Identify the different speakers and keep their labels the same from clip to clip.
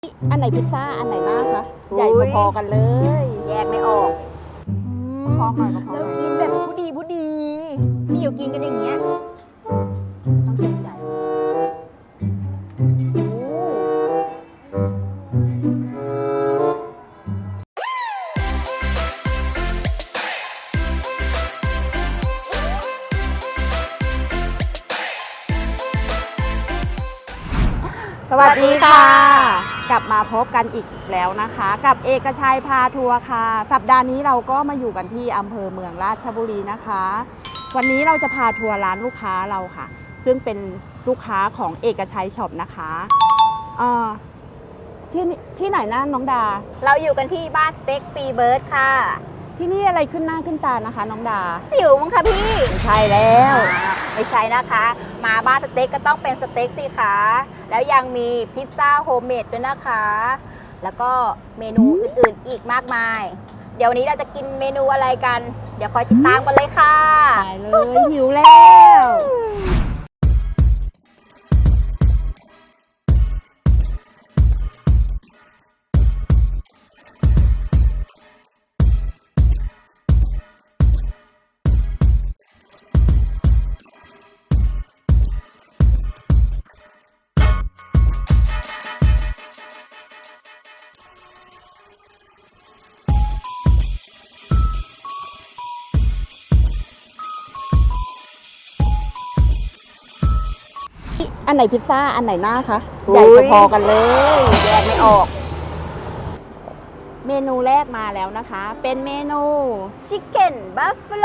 Speaker 1: อันไหนพิซซ่าอันไหนหน้าคะใหญ่พอๆกันเลย
Speaker 2: แยกไม่ออก
Speaker 1: ประคองหน่อยประคองห
Speaker 2: เรา
Speaker 1: น่อย
Speaker 2: กินแบบผู้ดีนี่อยู่กินกันอย่างเงี้ยต้องเต็มใจ
Speaker 1: สวัสดีค่ะ กลับมาพบกันอีกแล้วนะคะ กับเอกชัยพาทัวร์ค่ะ สัปดาห์นี้เราก็มาอยู่กันที่อำเภอเมืองราชบุรีนะคะ วันนี้เราจะพาทัวร์ร้านลูกค้าเราค่ะ ซึ่งเป็นลูกค้าของเอกชัยช็อปนะคะที่ไหนนะน้องดา
Speaker 2: เราอยู่กันที่บ้านสเต็กปีเบิร์ดค่ะ
Speaker 1: ที่นี่อะไรขึ้นหน้าขึ้นตานะคะน้องดา
Speaker 2: สิวมั้งคะพี่
Speaker 1: ไม่ใช่แล้ว
Speaker 2: ไม่ใช่นะคะ มาบ้านสเต็กก็ต้องเป็นสเต็กสิคะแล้วยังมีพิซซ่าโฮมเมดด้วยนะคะ แล้วก็เมนูอื่นๆอีกมากมาย เดี๋ยววันนี้เราจะกินเมนูอะไรกัน เดี๋ยวคอยติดตามกันเลยค่ะ
Speaker 1: ได้เลยหิวแล้ว อันไหนพิซซ่าอันไหนหน้าคะใหญ่พอๆกันเลย
Speaker 2: แยกไม่ออก
Speaker 1: เมนูแรกมาแล้วนะคะ เป็นเมนู
Speaker 2: ชิคเก้นบัฟเฟโล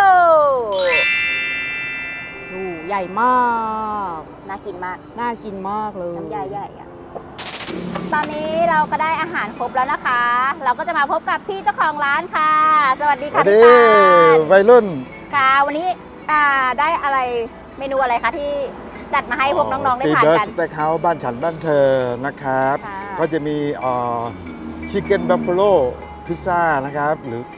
Speaker 1: ดูใหญ่มาก
Speaker 2: น่ากินมาก
Speaker 1: น่ากินมากเลย
Speaker 2: น้ำยาใหญ่อะตอนนี้เราก็ได้อาหารครบแล้วนะคะ เราก็จะมาพบกับพี่เจ้าของร้านค่ะ สวัสดีค่ะพี่ปาน
Speaker 3: วัยรุ่น
Speaker 2: ค่ะวันนี้ได้อะไรเมนูอะไรคะที่จัดมาให้พวกน้องๆได้ทาน
Speaker 3: เบิร์
Speaker 2: กั
Speaker 3: ด
Speaker 2: น
Speaker 3: สเต็กเฮาส์บ้านฉันบ้านเธอนะครับ
Speaker 2: ค่ะ
Speaker 3: ก็จะมีชิคเก้นบัฟฟาโลพิซซ่านะครับ หรือ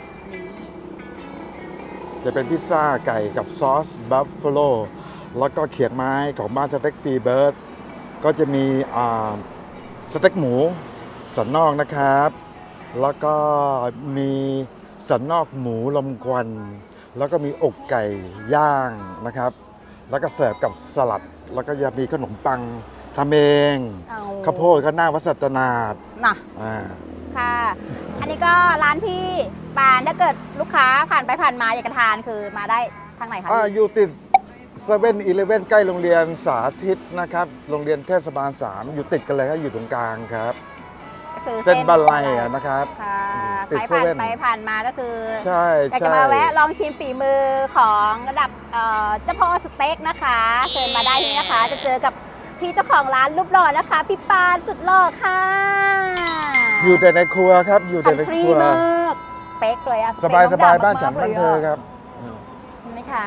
Speaker 3: จะเป็นพิซซ่าไก่กับซอสบัฟฟาโลแล้วก็เขียงไม้ของบ้านสเต็กฟรีเบิร์ดก็จะมีสเต็กหมูสันนอกนะครับ แล้วก็มีสันนอกหมูลมควัน แล้วก็มีอกไก่ย่างนะครับ แล้วก็เสิร์ฟกับสลัด แล้วก็จะมีขนมปังทำเอง
Speaker 2: เอา
Speaker 3: ข้าวโพดก็หน้าวัดสัตนาด
Speaker 2: น่ะ
Speaker 3: อ่า
Speaker 2: ค่ะ อันนี้ก็ร้านพี่ปานถ้าเกิดลูกค้าผ่านไปผ่านมาอยากจะทานคือมาได้ทางไหนคะ
Speaker 3: อยู่ติด7-Eleven ใกล้โรงเรียนสาธิตนะครับ โรงเรียนเทศบาล 3 อยู่ติดกันเลยครับอยู่ตรงกลางครับ
Speaker 2: ก็คือ
Speaker 3: เส้นบ้านไร่อะนะครับ
Speaker 2: ค่ะ
Speaker 3: ติด
Speaker 2: ใครผ่าน
Speaker 3: เซเว่น
Speaker 2: ไปผ่านมาก็คือ
Speaker 3: ใช่
Speaker 2: อยากจะ
Speaker 3: ใช่
Speaker 2: มาแวะลองชิมฝีมือของระดับเจ้าพ่อสเต็กนะคะเชิญมาได้ที่นะคะ จะเจอกับพี่เจ้าของร้านรูปหล่อนะคะ พี่ปานสุดหล่อค่ะ
Speaker 3: อยู่แต่ในครัวครับอยู่แต่ใน
Speaker 2: ฟรี
Speaker 3: ครัว
Speaker 2: มากสเปคเลยอะ
Speaker 3: สบาย
Speaker 2: เปค
Speaker 3: สบาย
Speaker 2: องดำ
Speaker 3: บ้านฉัน
Speaker 2: มกๆ
Speaker 3: บ้านเธอครับ
Speaker 2: เห็นไหมคะ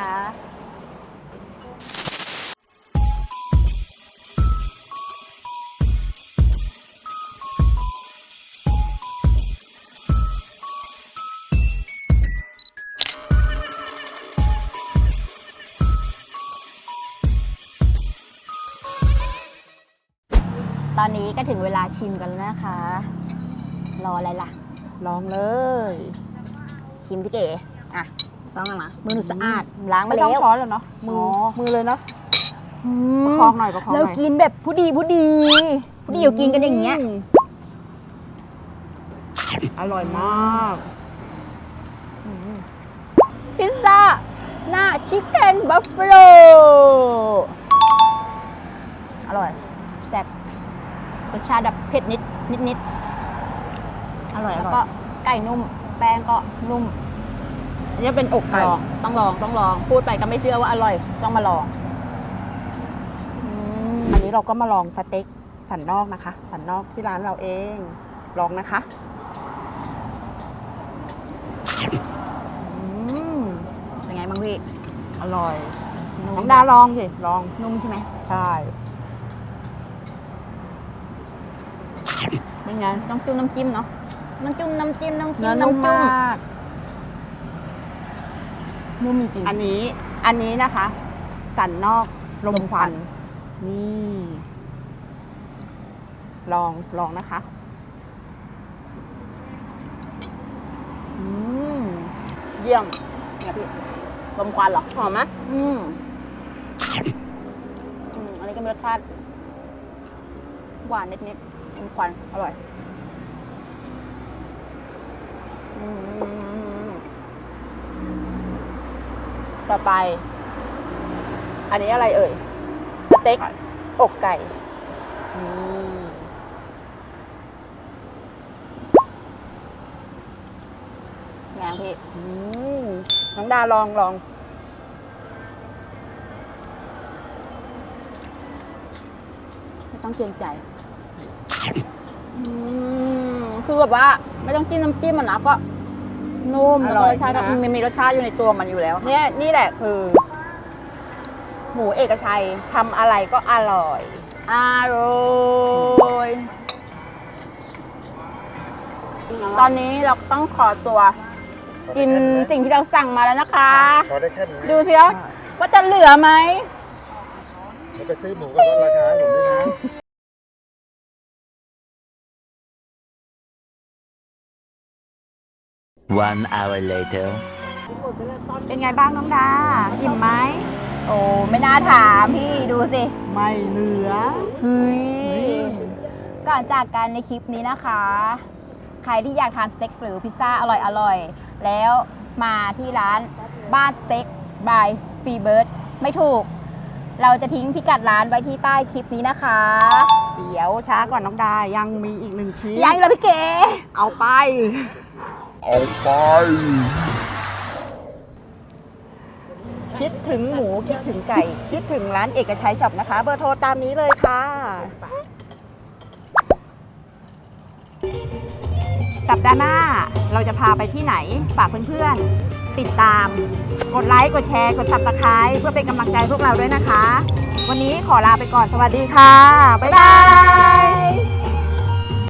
Speaker 2: ตอนนี้ก็ถึงเวลาชิมกันแล้วนะคะ รออะไรล่ะ
Speaker 1: ลองเลย
Speaker 2: ชิมพี่เก๋อ่ะต้องแล้วนะมือหนูสะอาดล้างมา
Speaker 1: ไม่
Speaker 2: แล้
Speaker 1: ต้อง
Speaker 2: ว
Speaker 1: ช้อนแล้วเนาะมือ
Speaker 2: อ๋อ
Speaker 1: มือเลยเนาะ
Speaker 2: อื
Speaker 1: ประ
Speaker 2: ม
Speaker 1: คองหน่อยประคองห
Speaker 2: เรา
Speaker 1: น่อย
Speaker 2: กินแบบผู้ดีอยู่กินกันอย่างเงี้ย
Speaker 1: อร่อยมาก
Speaker 2: พิซซ่าหน้าชิคเก้นบัฟเฟโลอร่อยแซ่บรสชาติแบบเผ็ดนิด
Speaker 1: อร่อยอ
Speaker 2: แล้ว
Speaker 1: ร่
Speaker 2: ก็
Speaker 1: อย
Speaker 2: ไก่นุ่ม แป้งก็นุ่ม
Speaker 1: อันนี้เป็นอกไก่
Speaker 2: ลองต้องลองพูดไปก็ไม่เชื่อว่าอร่อยต้องมาลองอืม
Speaker 1: อันนี้เราก็มาลองสเต็กสันนอกนะคะ สันนอกที่ร้านเราเอง ลองนะคะอืม
Speaker 2: เป็นไงบ้างพี่
Speaker 1: อร่อย
Speaker 2: นุ่ม
Speaker 1: น้องดาลองสิลอง
Speaker 2: นุ่มใช่ไหม
Speaker 1: ใช่เป็นไง
Speaker 2: ต้องจุ่มน้ำจิ้มเนาะน้ำจิ้ม
Speaker 1: เนื้อนุ่มมาก
Speaker 2: นุ่มจริง
Speaker 1: อันนี้นะคะ สันนอกลมควัน นี่ ลองนะคะอืมเยี่ยม
Speaker 2: เนี่ยพี่ลมควันเหรอ
Speaker 1: หอมไหม
Speaker 2: อันนี้ก็มีรสชาติหวานนิดๆลมควันอร่อย
Speaker 1: ต่อไป อันนี้อะไรเอ่ยสเต็กอกไก่นี่ไงพี่น้องดาลองไม่ต้องเกรงใจ
Speaker 2: คือแบบว่าไม่ต้องจิ้มน้ำจิ้มมันนะก็นุ่ม
Speaker 1: อ
Speaker 2: แล้ว
Speaker 1: ร่
Speaker 2: ก็
Speaker 1: อย
Speaker 2: รสชาติก็
Speaker 1: นะ
Speaker 2: มันมีรสชาติอยู่ในตัวมันอยู่แล้ว
Speaker 1: เนี่ยนี่แหละคือ หมูเอกชัยทำอะไรก็อร่อย
Speaker 2: อร่อยตอนนี้เราต้องขอตัว กินสิ่งที่เราสั่งมาแล้วนะคะ
Speaker 3: ขอได้แค่นี้
Speaker 2: ดูสิคะว่าจะเหลือไหม
Speaker 3: เราไปซื้อหมูก็ลดราคาให้ผมด้วยนะ
Speaker 4: 1 hour later.
Speaker 1: เป็นไงบ้างน้องดา อิ่มไหม
Speaker 2: โอ้ไม่น่าถามพี่ดูสิ
Speaker 1: ไม่เหลือ
Speaker 2: เฮ้ยก่อนจากกันในคลิปนี้นะคะ ใครที่อยากทานสเต็กหรือพิซซ่าอร่อยๆ แล้วมาที่ร้านบ้านสเต็กบายฟรีเบิร์ดไม่ถูก เราจะทิ้งพิกัดร้านไว้ที่ใต้คลิปนี้นะคะ
Speaker 1: เดี๋ยวช้าก่อนน้องดา ยังมีอีก1 ชิ้น
Speaker 2: ยังอีกเหรอพี่เก๋
Speaker 1: เอาไป คิดถึงหมูคิดถึงไก่ คิดถึงร้านเอกชัยช็อปนะคะ เบอร์โทรตามนี้เลยค่ะ สัปดาห์หน้าเราจะพาไปที่ไหน ฝากเพื่อนๆ ติดตาม กดไลค์ กดแชร์ กด Subscribe เพื่อเป็นกำลังใจพวกเราด้วยนะคะ วันนี้ขอลาไปก่อน สวัสดีค่ะ บ๊ายบาย